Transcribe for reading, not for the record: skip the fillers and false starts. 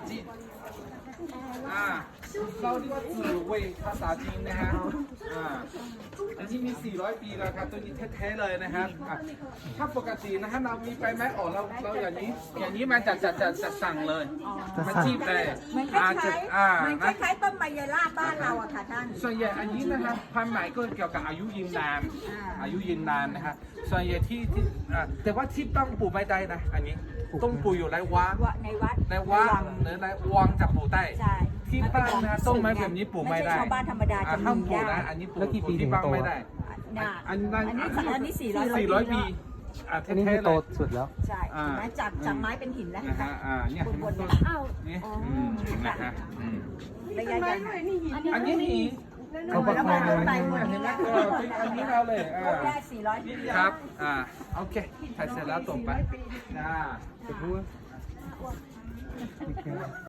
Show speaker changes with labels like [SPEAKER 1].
[SPEAKER 1] จีนเราเรียกว่าจื่อเว่ยภาษาจีนนะฮะอันนี้มี400 ปีแล้วครับตัวนี้แท้ๆเลยนะครับถ้าปกตินะฮะเรามีไปไหมเราอย่างนี้มันจะสั่งเลยมันจีบเลย
[SPEAKER 2] มันคล้ายต้นไมยราบบ้านเราอะค่ะท่าน
[SPEAKER 1] ส่วนใหญ่อันนี้นะครับความหมายก็เกี่ยวกับอายุยืนนานนะครับส่วนใหญ่ที่แต่ว่าที่ต้องปลูกไม่ได้นะอันนี้ต้องปลูกอยู่ในวัดในวังจะปลูกได้ที่บ้านนะต้นไม้แบบนี้ปลูกไม่ได้
[SPEAKER 2] ชาวบ้านธรรมดาจะ
[SPEAKER 1] ห้ามปลูก
[SPEAKER 2] ยาก
[SPEAKER 1] นะอันนี้ปลูกที่บ้านไม่ได้อันนี้400 ปี
[SPEAKER 3] อันนี้คือโตสุดแล้ว
[SPEAKER 2] ใช่ไหมจากไม้เป็นหินแล้ว
[SPEAKER 1] เนี่ย
[SPEAKER 2] บนเนี่ย
[SPEAKER 1] นี่นะฮะ
[SPEAKER 2] ระยะยาว
[SPEAKER 1] อันนี้หิน
[SPEAKER 3] เขาบอกมาเลย
[SPEAKER 1] เห็นไหมอันนี้เราเลย
[SPEAKER 2] ได้400 ปี
[SPEAKER 1] ครับโอเคถ่ายเสร็จแล้วตรงไป
[SPEAKER 3] จะพูด